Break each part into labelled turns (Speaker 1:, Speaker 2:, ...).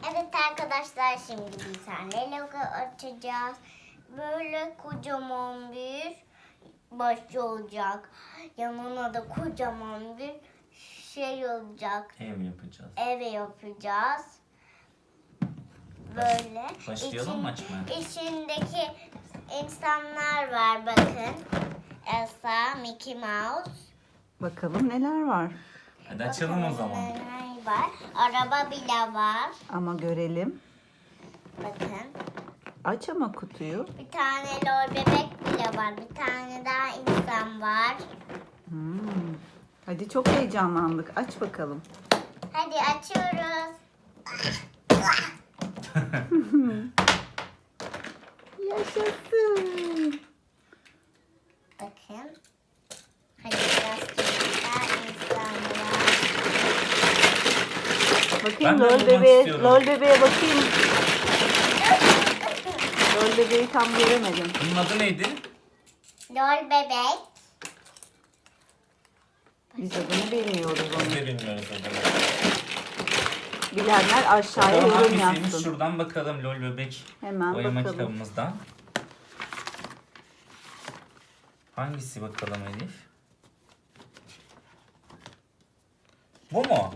Speaker 1: Evet arkadaşlar, şimdi bir tane Lego açacağız. Böyle kocaman bir başı olacak. Yanına da kocaman bir şey olacak.
Speaker 2: Ev yapacağız.
Speaker 1: Ev yapacağız. Böyle.
Speaker 2: Başlayalım mı açmaya?
Speaker 1: İçindeki insanlar var, bakın. Elsa, Mickey Mouse.
Speaker 3: Bakalım neler var.
Speaker 2: Hadi açalım o zaman.
Speaker 1: Neler var. Araba bile var.
Speaker 3: Ama görelim.
Speaker 1: Bakın.
Speaker 3: Aç ama kutuyu.
Speaker 1: Bir tane lol bebek bile var. Bir tane daha insan var.
Speaker 3: Hadi çok heyecanlandık. Aç bakalım.
Speaker 1: Hadi açıyoruz.
Speaker 3: Yaşasın.
Speaker 1: Bakın. Hadi biraz daha insan var.
Speaker 3: Bakayım
Speaker 2: Ben de
Speaker 3: lol
Speaker 2: bulmak
Speaker 3: bebeğe,
Speaker 2: istiyorum.
Speaker 3: lol bebeğe bakayım. Lol bebeği tam göremedim.
Speaker 2: Bunun adı neydi?
Speaker 1: Lol bebek.
Speaker 3: Biz adını bilmiyoruz
Speaker 2: Biz
Speaker 3: onu.
Speaker 2: de bilmiyoruz adını.
Speaker 3: Bilenler aşağıya
Speaker 2: Bakalım
Speaker 3: yorum
Speaker 2: hangisiymiş?
Speaker 3: yazsın.
Speaker 2: Şuradan bakalım lol bebek.
Speaker 3: Hemen
Speaker 2: Boyama
Speaker 3: bakalım.
Speaker 2: kitabımızdan. Hangisi bakalım Elif? Bu mu?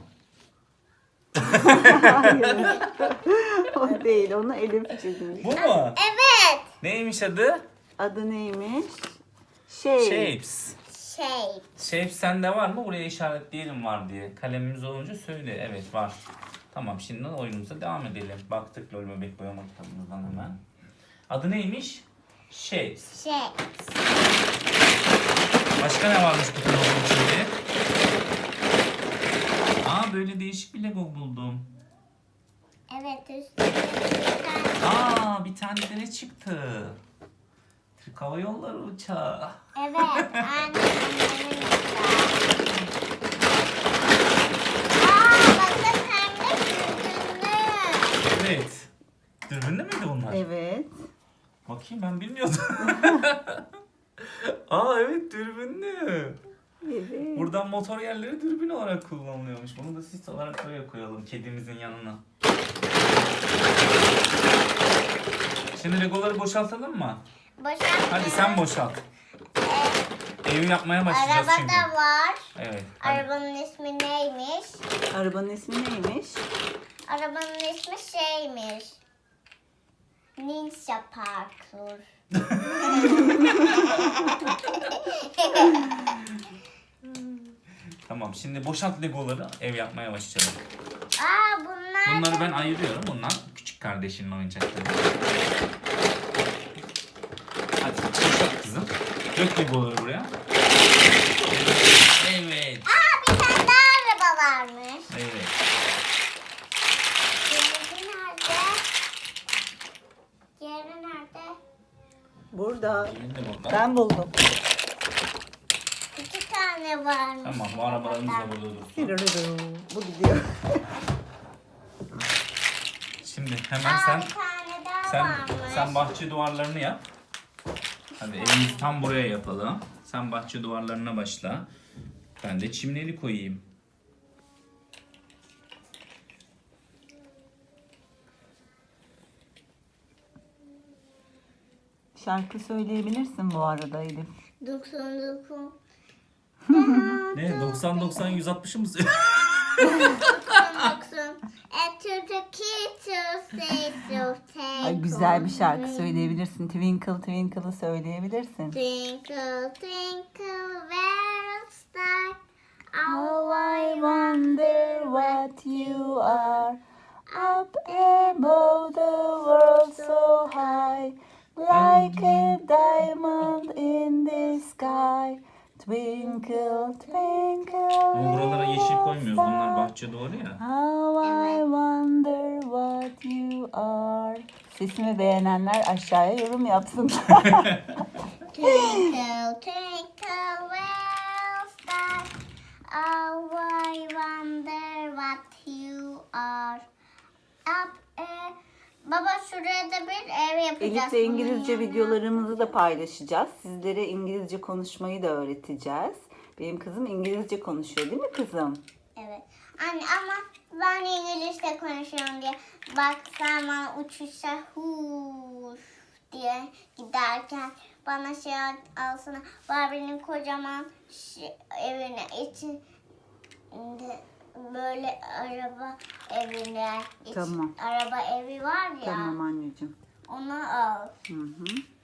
Speaker 3: Hayır. O değil. Onu Elif çizmiş.
Speaker 2: Bu mu?
Speaker 1: Evet.
Speaker 2: Neymiş adı?
Speaker 3: Adı neymiş?
Speaker 2: Shapes.
Speaker 1: Şey.
Speaker 2: Shapes sende var mı? Buraya işaretleyelim var diye. Kalemimiz olunca söyle. Evet var. Tamam, şimdi oyunumuza devam edelim. Baktık lol bebek boyama kitabımızdan hemen. Adı neymiş? Shapes.
Speaker 1: Şey.
Speaker 2: Başka ne varmış bu kutunun içinde? Aa, böyle değişik bir Lego buldum.
Speaker 1: Evet, üstünde bir tane.
Speaker 2: Aa, bir tane de ne çıktı? Türk Hava Yolları uçağı.
Speaker 1: Evet, annemin bakın hem de sürdüğünü.
Speaker 2: Evet. Dürbünlü müydü bunlar?
Speaker 3: Evet.
Speaker 2: Bakayım, ben bilmiyordum. Aa evet, dürbünlü.
Speaker 3: Evet.
Speaker 2: Buradan motor yerleri dürbün olarak kullanılıyormuş. Bunu da sis olarak buraya koyalım, kedimizin yanına. Şimdi Legoları boşaltalım mı?
Speaker 1: Boşalt.
Speaker 2: Hadi sen boşalt. Evi yapmaya başlayacağız
Speaker 1: Araba
Speaker 2: çünkü.
Speaker 1: da var.
Speaker 2: Evet. Hadi.
Speaker 1: Arabanın ismi neymiş?
Speaker 3: Arabanın ismi neymiş?
Speaker 1: Arabanın ismi şeymiş. Ninja Parkour.
Speaker 2: Tamam, şimdi boşalt Legoları, ev yapmaya başlayalım.
Speaker 1: Aa, bunlar
Speaker 2: Bunları
Speaker 1: da-
Speaker 2: ben ayırıyorum. Bunlar küçük kardeşinin oyuncakları. Hadi boşalt kızım. Dök Legoları buraya. Evet.
Speaker 1: Aa, bir tane daha araba varmış.
Speaker 2: Evet.
Speaker 1: Diğeri nerede? Diğeri nerede?
Speaker 3: Burada.
Speaker 2: Şimdi burada.
Speaker 3: Ben buldum.
Speaker 1: İki tane varmış.
Speaker 2: Tamam, bu arabalarımız da burada dursun.
Speaker 3: Bu gidiyor.
Speaker 2: Şimdi hemen sen
Speaker 1: Bir tane daha
Speaker 2: sen
Speaker 1: varmış.
Speaker 2: sen bahçe duvarlarını yap. Hadi evimizi tam buraya yapalım. Sen bahçe duvarlarına başla. Ben de çimleri koyayım.
Speaker 3: Şarkı söyleyebilirsin bu arada Elif.
Speaker 1: 99.
Speaker 2: Ne? 90-90 160'ı mı?
Speaker 1: 99. And to the kids who say so take
Speaker 3: Ay, güzel bir şarkı
Speaker 1: on me.
Speaker 3: söyleyebilirsin. Twinkle Twinkle'ı söyleyebilirsin.
Speaker 1: Twinkle, twinkle, little star.
Speaker 3: How I wonder what you are up above the world so high, like a diamond in the sky. Twinkle, twinkle.
Speaker 2: Ama buralara yeşil koymuyoruz. Bunlar
Speaker 3: star.
Speaker 2: bahçe duvarı ya.
Speaker 3: How I wonder what you are. Sesimi beğenenler aşağıya yorum yapsınlar.
Speaker 1: Twinkle, twinkle, little star. Oh, I wonder what you are. Up Baba, şuraya da bir ev yapacağız.
Speaker 3: Elif'le İngilizce
Speaker 1: Bunun
Speaker 3: videolarımızı da paylaşacağız. Sizlere İngilizce konuşmayı da öğreteceğiz. Benim kızım İngilizce konuşuyor değil mi kızım?
Speaker 1: Evet. Anne ama ben İngilizce konuşuyorum diye. Bak sen bana uçuşa huş diye giderken bana şey alsana. Barbie'nin kocaman evine içinde böyle araba evine
Speaker 3: Tamam.
Speaker 1: araba evi var ya.
Speaker 3: Tamam anneciğim.
Speaker 1: Onu al.
Speaker 3: Hı hı.